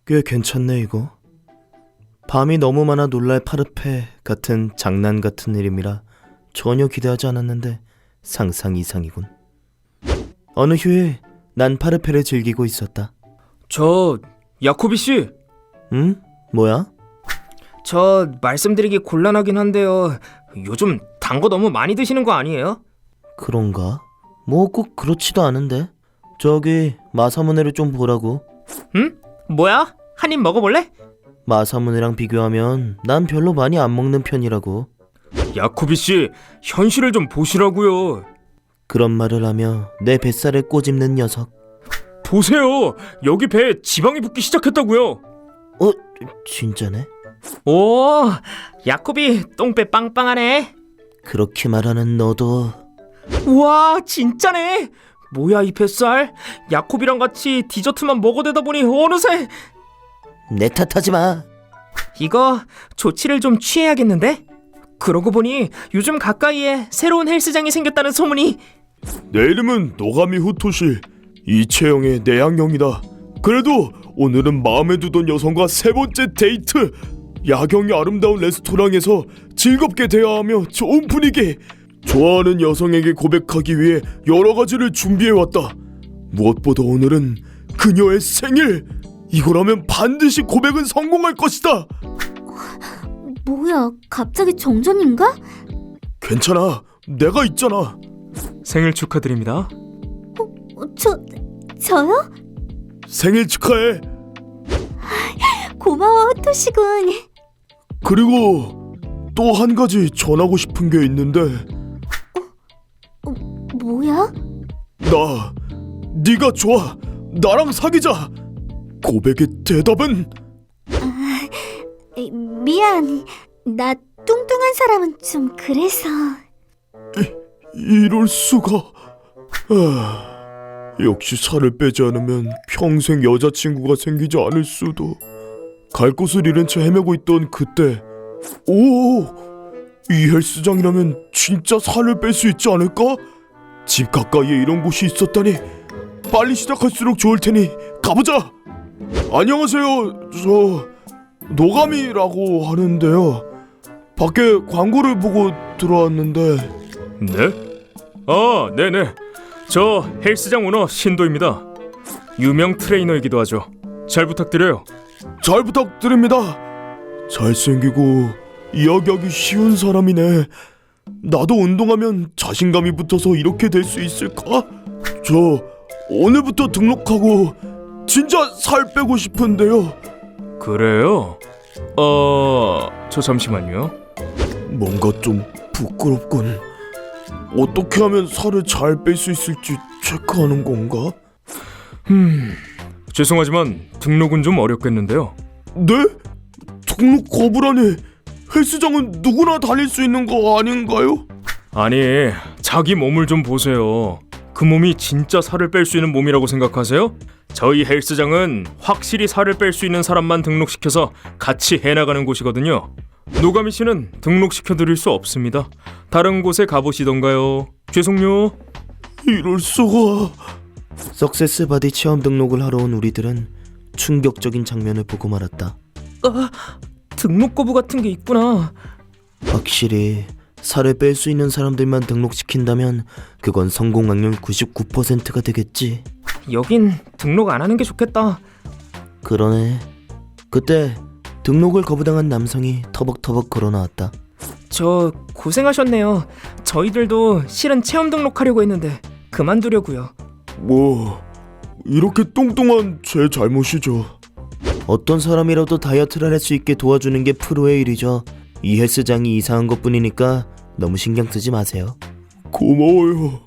꽤 괜찮네 이거. 밤이 너무 많아 놀랄 파르페 같은 장난 같은 이름이라 전혀 기대하지 않았는데 상상 이상이군. 어느 휴일 난 파르페를 즐기고 있었다. 저 야코비 씨, 응? 뭐야? 저 말씀드리기 곤란하긴 한데요. 요즘 단 거 너무 많이 드시는 거 아니에요? 그런가? 뭐 꼭 그렇지도 않은데. 저기 마사무네를 좀 보라고. 응? 뭐야? 한 입 먹어볼래? 마사무네랑 비교하면 난 별로 많이 안 먹는 편이라고. 야코비 씨, 현실을 좀 보시라고요. 그런 말을 하며 내 뱃살에 꼬집는 녀석. 보세요, 여기 배에 지방이 붙기 시작했다고요. 진짜네? 오, 야코비 똥배 빵빵하네. 그렇게 말하는 너도. 우와, 진짜네. 뭐야 이 뱃살? 야코비랑 같이 디저트만 먹어대다 보니 어느새. 내 탓하지 마. 이거 조치를 좀 취해야겠는데? 그러고 보니 요즘 가까이에 새로운 헬스장이 생겼다는 소문이. 내 이름은 노가미 후토시, 이채영의 내향형이다. 그래도 오늘은 마음에 두던 여성과 세 번째 데이트. 야경이 아름다운 레스토랑에서 즐겁게 대화하며 좋은 분위기. 좋아하는 여성에게 고백하기 위해 여러 가지를 준비해왔다. 무엇보다 오늘은 그녀의 생일. 이거라면 반드시 고백은 성공할 것이다. 뭐야, 갑자기 정전인가? 괜찮아, 내가 있잖아. 생일 축하드립니다. 저요? 생일 축하해. 고마워, 토시군. 그리고 또 한 가지 전하고 싶은 게 있는데. 뭐야? 네가 좋아. 나랑 사귀자. 고백의 대답은? 미안, 나 뚱뚱한 사람은 좀 그래서. 이럴 수가. 역시 살을 빼지 않으면 평생 여자친구가 생기지 않을 수도. 갈 곳을 잃은 채 헤매고 있던 그때, 이 헬스장이라면 진짜 살을 뺄 수 있지 않을까? 집 가까이에 이런 곳이 있었다니. 빨리 시작할수록 좋을 테니 가보자. 안녕하세요, 저 노가미라고 하는데요. 밖에 광고를 보고 들어왔는데. 네? 아, 네네. 저 헬스장 오너 신도입니다. 유명 트레이너이기도 하죠. 잘 부탁드려요. 잘 부탁드립니다. 잘생기고 이야기하기 쉬운 사람이네. 나도 운동하면 자신감이 붙어서 이렇게 될 수 있을까? 저 오늘부터 등록하고 진짜 살 빼고 싶은데요. 그래요? 저 잠시만요. 뭔가 좀 부끄럽군. 어떻게 하면 살을 잘 뺄 수 있을지 체크하는 건가? 죄송하지만 등록은 좀 어렵겠는데요. 네? 등록 거부라니. 헬스장은 누구나 다닐 수 있는 거 아닌가요? 아니, 자기 몸을 좀 보세요. 그 몸이 진짜 살을 뺄 수 있는 몸이라고 생각하세요? 저희 헬스장은 확실히 살을 뺄 수 있는 사람만 등록시켜서 같이 해나가는 곳이거든요. 노가미 씨는 등록시켜드릴 수 없습니다. 다른 곳에 가보시던가요. 죄송요. 이럴 수가. 석세스 바디 체험 등록을 하러 온 우리들은 충격적인 장면을 보고 말았다. 등록 거부 같은 게 있구나. 확실히 살을 뺄 수 있는 사람들만 등록시킨다면 그건 성공 확률 99%가 되겠지. 여긴 등록 안 하는 게 좋겠다. 그러네. 그때 등록을 거부당한 남성이 터벅터벅 걸어나왔다. 저 고생하셨네요. 저희들도 실은 체험 등록하려고 했는데 그만두려고요. 뭐 이렇게 뚱뚱한 제 잘못이죠. 어떤 사람이라도 다이어트를 할 수 있게 도와주는 게 프로의 일이죠. 이 헬스장이 이상한 것뿐이니까 너무 신경 쓰지 마세요. 고마워요.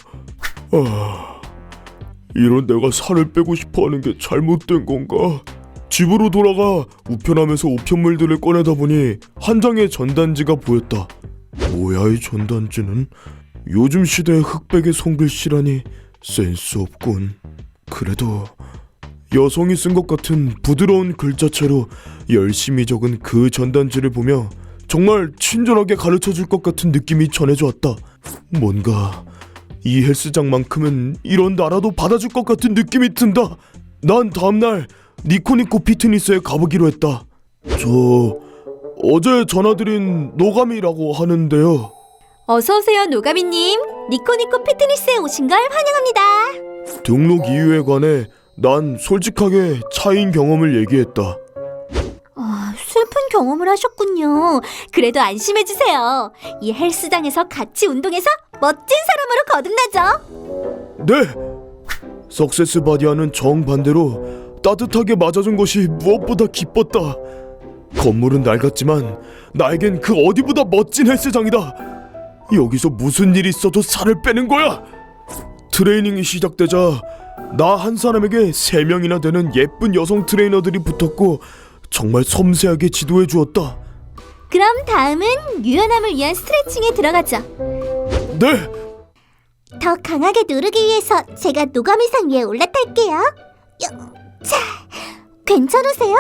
이런 내가 살을 빼고 싶어하는 게 잘못된 건가? 집으로 돌아가 우편함에서 우편물들을 꺼내다 보니 한 장의 전단지가 보였다. 뭐야 이 전단지는? 요즘 시대의 흑백의 손글씨라니 센스 없군. 그래도 여성이 쓴 것 같은 부드러운 글자체로 열심히 적은 그 전단지를 보며 정말 친절하게 가르쳐줄 것 같은 느낌이 전해져 왔다. 뭔가 이 헬스장만큼은 이런 나라도 받아줄 것 같은 느낌이 든다. 난 다음날 니코니코 피트니스에 가보기로 했다. 저 어제 전화드린 노감이라고 하는데요. 어서오세요, 노가미님. 니코니코 피트니스에 오신 걸 환영합니다. 등록 이유에 관해 난 솔직하게 차인 경험을 얘기했다. 슬픈 경험을 하셨군요. 그래도 안심해주세요. 이 헬스장에서 같이 운동해서 멋진 사람으로 거듭나죠. 네! 석세스 바디와는 정반대로 따뜻하게 맞아준 것이 무엇보다 기뻤다. 건물은 낡았지만 나에겐 그 어디보다 멋진 헬스장이다. 여기서 무슨 일이 있어도 살을 빼는 거야. 트레이닝이 시작되자 나 한 사람에게 3명이나 되는 예쁜 여성 트레이너들이 붙었고 정말 섬세하게 지도해 주었다. 그럼 다음은 유연함을 위한 스트레칭에 들어가죠. 네! 더 강하게 누르기 위해서 제가 노가미상 위에 올라탈게요. 자, 괜찮으세요?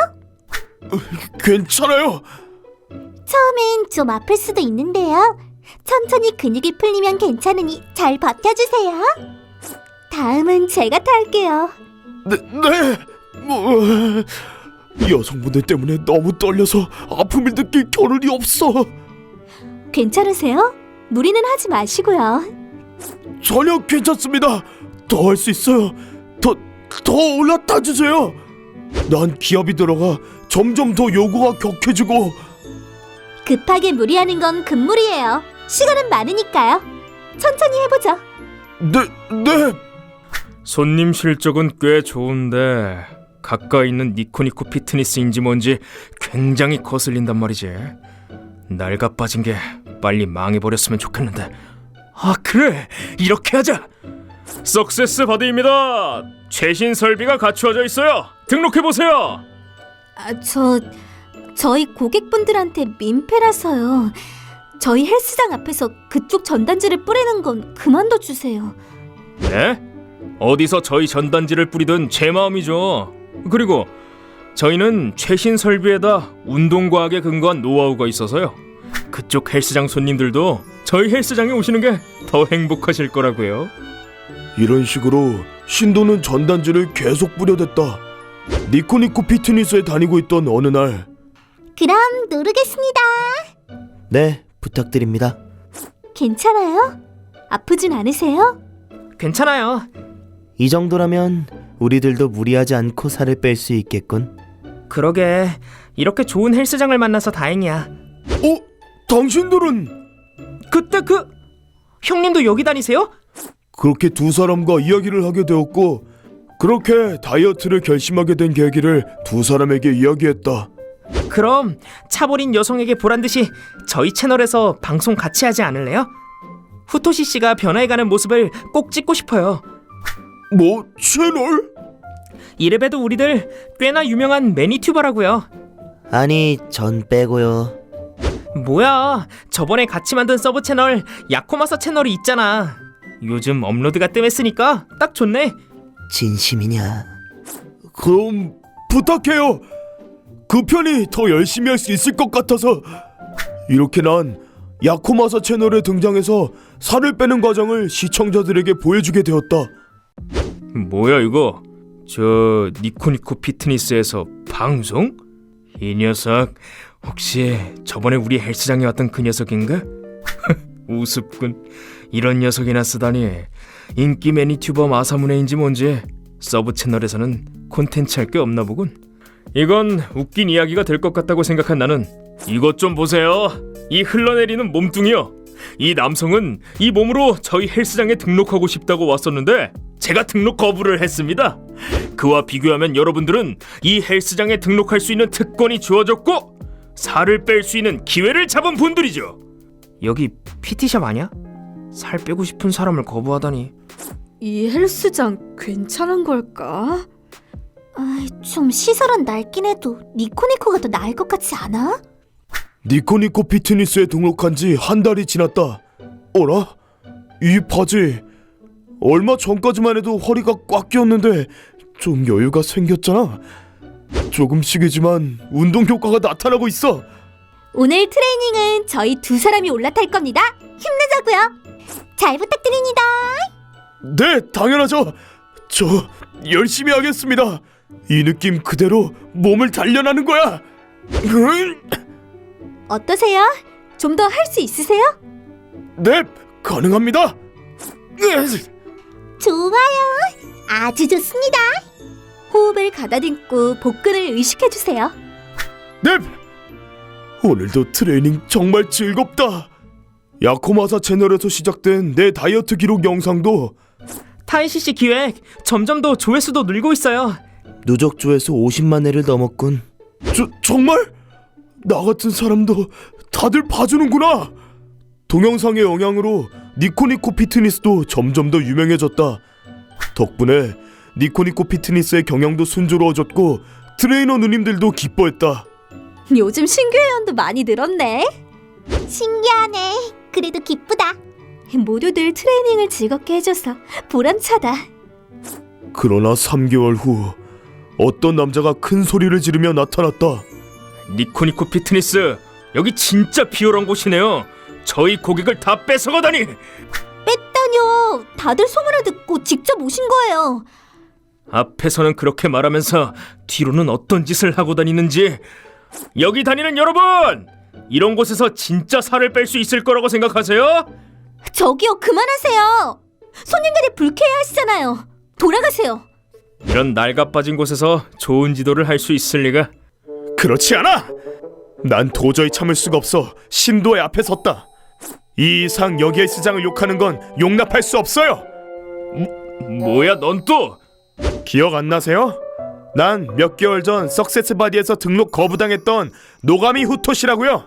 괜찮아요. 처음엔 좀 아플 수도 있는데요. 천천히 근육이 풀리면 괜찮으니 잘 버텨주세요. 다음은 제가 탈게요. 네. 여성분들 때문에 너무 떨려서 아픔을 느낄 겨를이 없어. 괜찮으세요? 무리는 하지 마시고요. 전혀 괜찮습니다. 더 할 수 있어요. 더 올라타 주세요. 난 기압이 들어가 점점 더 요구가 격해지고. 급하게 무리하는 건 금물이에요. 시간은 많으니까요. 천천히 해보죠. 네. 손님 실적은 꽤 좋은데 가까이 있는 니코니코 피트니스인지 뭔지 굉장히 거슬린단 말이지. 낡아 빠진 게 빨리 망해버렸으면 좋겠는데. 아 그래, 이렇게 하자. 석세스 바디입니다. 최신 설비가 갖추어져 있어요. 등록해보세요. 저희 고객분들한테 민폐라서요. 저희 헬스장 앞에서 그쪽 전단지를 뿌리는 건 그만둬 주세요. 네? 어디서 저희 전단지를 뿌리든 제 마음이죠. 그리고 저희는 최신 설비에다 운동과학에 근거한 노하우가 있어서요. 그쪽 헬스장 손님들도 저희 헬스장에 오시는 게 더 행복하실 거라고요. 이런 식으로 신도는 전단지를 계속 뿌려댔다. 니코니코 피트니스에 다니고 있던 어느 날 그럼 누르겠습니다. 네, 부탁드립니다. 괜찮아요? 아프진 않으세요? 괜찮아요. 이 정도라면 우리들도 무리하지 않고 살을 뺄 수 있겠군. 그러게, 이렇게 좋은 헬스장을 만나서 다행이야. 당신들은? 그때 형님도 여기 다니세요? 그렇게 두 사람과 이야기를 하게 되었고 그렇게 다이어트를 결심하게 된 계기를 두 사람에게 이야기했다. 그럼 차버린 여성에게 보란듯이 저희 채널에서 방송 같이 하지 않을래요? 후토시 씨가 변화해가는 모습을 꼭 찍고 싶어요. 뭐? 채널? 이래봬도 우리들 꽤나 유명한 매니튜버라고요. 아니, 전 빼고요. 뭐야, 저번에 같이 만든 서브 채널 야코마사 채널이 있잖아. 요즘 업로드가 뜸했으니까 딱 좋네. 진심이냐? 그럼 부탁해요. 그 편이 더 열심히 할 수 있을 것 같아서. 이렇게 난 야코마사 채널에 등장해서 살을 빼는 과정을 시청자들에게 보여주게 되었다. 뭐야 이거? 저 니코니코 피트니스에서 방송? 이 녀석 혹시 저번에 우리 헬스장에 왔던 그 녀석인가? 우습군. 이런 녀석이나 쓰다니. 인기 매니튜버 마사무네인지 뭔지 서브 채널에서는 콘텐츠 할 게 없나 보군. 이건 웃긴 이야기가 될 것 같다고 생각한 나는 이것 좀 보세요. 이 흘러내리는 몸뚱이요. 이 남성은 이 몸으로 저희 헬스장에 등록하고 싶다고 왔었는데 제가 등록 거부를 했습니다. 그와 비교하면 여러분들은 이 헬스장에 등록할 수 있는 특권이 주어졌고 살을 뺄 수 있는 기회를 잡은 분들이죠. 여기 PT샵 아니야? 살 빼고 싶은 사람을 거부하다니. 이 헬스장 괜찮은 걸까? 좀 시설은 낡긴 해도 니코니코가 더 나을 것 같지 않아? 니코니코 피트니스에 등록한 지 한 달이 지났다. 어라? 이 바지 얼마 전까지만 해도 허리가 꽉 끼었는데 좀 여유가 생겼잖아. 조금씩이지만 운동 효과가 나타나고 있어. 오늘 트레이닝은 저희 두 사람이 올라탈 겁니다. 힘내자고요. 잘 부탁드립니다. 네, 당연하죠. 저 열심히 하겠습니다. 이 느낌 그대로 몸을 단련하는 거야. 어떠세요? 좀 더 할 수 있으세요? 네, 가능합니다. 좋아요. 아주 좋습니다. 호흡을 가다듬고 복근을 의식해주세요. 네. 오늘도 트레이닝 정말 즐겁다. 야코마사 채널에서 시작된 내 다이어트 기록 영상도 타이시 씨 기획 점점 더 조회수도 늘고 있어요. 누적 조회수 50만 회를 넘었군. 정말? 나 같은 사람도 다들 봐주는구나. 동영상의 영향으로 니코니코 피트니스도 점점 더 유명해졌다. 덕분에 니코니코 피트니스의 경영도 순조로워졌고 트레이너 누님들도 기뻐했다. 요즘 신규 회원도 많이 늘었네. 신기하네. 그래도 기쁘다. 모두들 트레이닝을 즐겁게 해줘서 보람차다. 그러나 3개월 후 어떤 남자가 큰 소리를 지르며 나타났다. 니코니코 피트니스 여기 진짜 비열한 곳이네요. 저희 고객을 다 뺏어가다니. 뺐다뇨. 다들 소문을 듣고 직접 오신 거예요. 앞에서는 그렇게 말하면서 뒤로는 어떤 짓을 하고 다니는지. 여기 다니는 여러분, 이런 곳에서 진짜 살을 뺄 수 있을 거라고 생각하세요? 저기요, 그만하세요. 손님들이 불쾌해하시잖아요. 돌아가세요. 이런 낡아빠진 곳에서 좋은 지도를 할 수 있을 리가. 그렇지 않아! 난 도저히 참을 수가 없어 신도의 앞에 섰다. 이 이상 여기 헬스장을 욕하는 건 용납할 수 없어요. 뭐야 넌 또? 기억 안 나세요? 난 몇 개월 전 석세스 바디에서 등록 거부당했던 노가미 후토시라고요.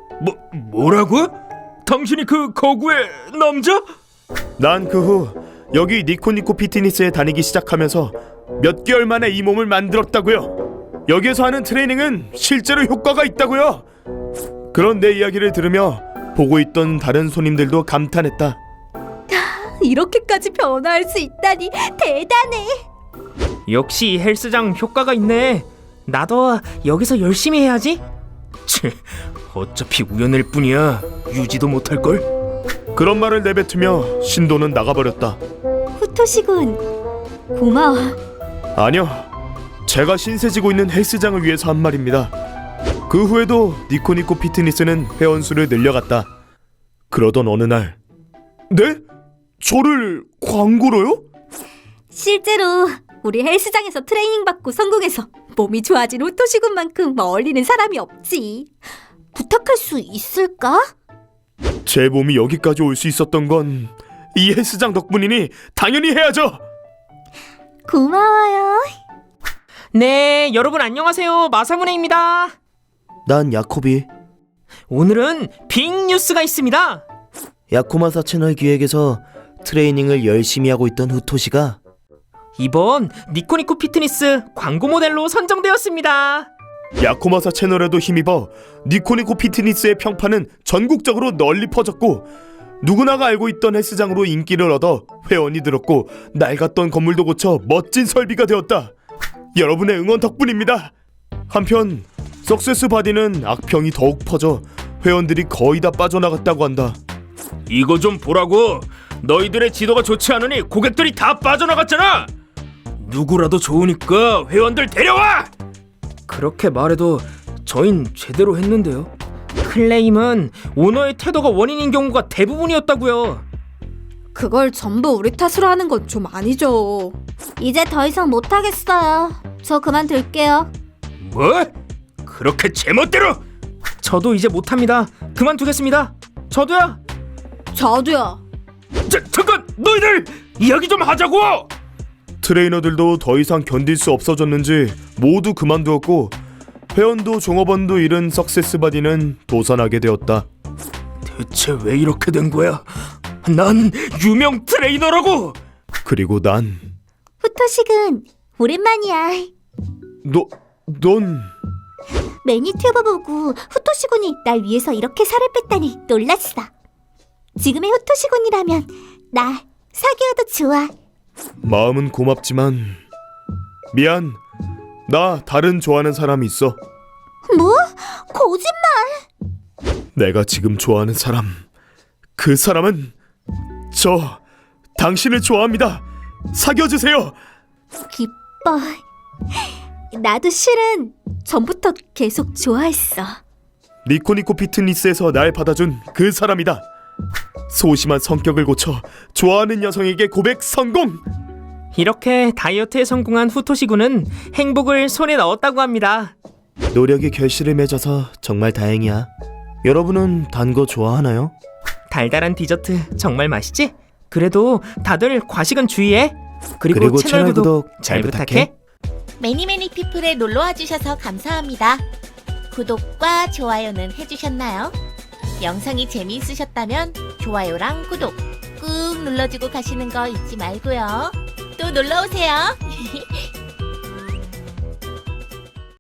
뭐라고? 당신이 그 거구의 남자? 난 그 후 여기 니코니코 피트니스에 다니기 시작하면서 몇 개월 만에 이 몸을 만들었다고요. 여기에서 하는 트레이닝은 실제로 효과가 있다고요. 그런 내 이야기를 들으며 보고 있던 다른 손님들도 감탄했다. 이렇게까지 변화할 수 있다니 대단해. 역시 이 헬스장 효과가 있네. 나도 여기서 열심히 해야지. 어차피 우연일 뿐이야. 유지도 못할걸. 그런 말을 내뱉으며 신도는 나가버렸다. 후토시군, 고마워. 아니요, 제가 신세지고 있는 헬스장을 위해서 한 말입니다. 그 후에도 니코니코 피트니스는 회원수를 늘려갔다. 그러던 어느 날, 네? 저를 광고로요? 실제로 우리 헬스장에서 트레이닝 받고 성공해서 몸이 좋아진 후토시군만큼 어울리는 사람이 없지. 부탁할 수 있을까? 제 몸이 여기까지 올 수 있었던 건 이 헬스장 덕분이니 당연히 해야죠. 고마워요. 네, 여러분 안녕하세요. 마사무네입니다. 난 야코비. 오늘은 빅 뉴스가 있습니다. 야코마사 채널 기획에서 트레이닝을 열심히 하고 있던 후토시가 이번 니코니코 피트니스 광고 모델로 선정되었습니다. 야코마사 채널에도 힘입어 니코니코 피트니스의 평판은 전국적으로 널리 퍼졌고 누구나가 알고 있던 헬스장으로 인기를 얻어 회원이 늘었고 낡았던 건물도 고쳐 멋진 설비가 되었다. 여러분의 응원 덕분입니다. 한편 석세스 바디는 악평이 더욱 퍼져 회원들이 거의 다 빠져나갔다고 한다. 이거 좀 보라고. 너희들의 지도가 좋지 않으니 고객들이 다 빠져나갔잖아. 누구라도 좋으니까 회원들 데려와. 그렇게 말해도 저흰 제대로 했는데요. 클레임은 오너의 태도가 원인인 경우가 대부분이었다고요. 그걸 전부 우리 탓으로 하는 건 좀 아니죠. 이제 더 이상 못하겠어요. 저 그만둘게요. 뭐? 그렇게 제멋대로? 저도 이제 못합니다. 그만두겠습니다. 저도요. 저도요. 잠깐! 너희들! 이야기 좀 하자고! 트레이너들도 더 이상 견딜 수 없어졌는지 모두 그만두었고 회원도 종업원도 잃은 석세스 바디는 도산하게 되었다. 대체 왜 이렇게 된 거야? 난 유명 트레이너라고! 그리고 난 후토시군, 오랜만이야. 넌 매니튜버 보고 후토시군이 날 위해서 이렇게 살을 뺐다니 놀랐어. 지금의 후토시군이라면 나 사귀어도 좋아. 마음은 고맙지만 미안. 나 다른 좋아하는 사람이 있어. 뭐? 거짓말! 내가 지금 좋아하는 사람, 그 사람은 당신을 좋아합니다. 사귀어주세요. 기뻐. 나도 실은 전부터 계속 좋아했어. 니코니코 피트니스에서 날 받아준 그 사람이다. 소심한 성격을 고쳐 좋아하는 여성에게 고백 성공. 이렇게 다이어트에 성공한 후토시 군은 행복을 손에 넣었다고 합니다. 노력이 결실을 맺어서 정말 다행이야. 여러분은 단 거 좋아하나요? 달달한 디저트 정말 맛있지? 그래도 다들 과식은 주의해. 그리고, 그리고 채널 구독 잘 부탁해. 매니매니 피플에 놀러와 주셔서 감사합니다. 구독과 좋아요는 해주셨나요? 영상이 재미있으셨다면 좋아요랑 구독 꾹 눌러주고 가시는 거 잊지 말고요. 또 놀러오세요.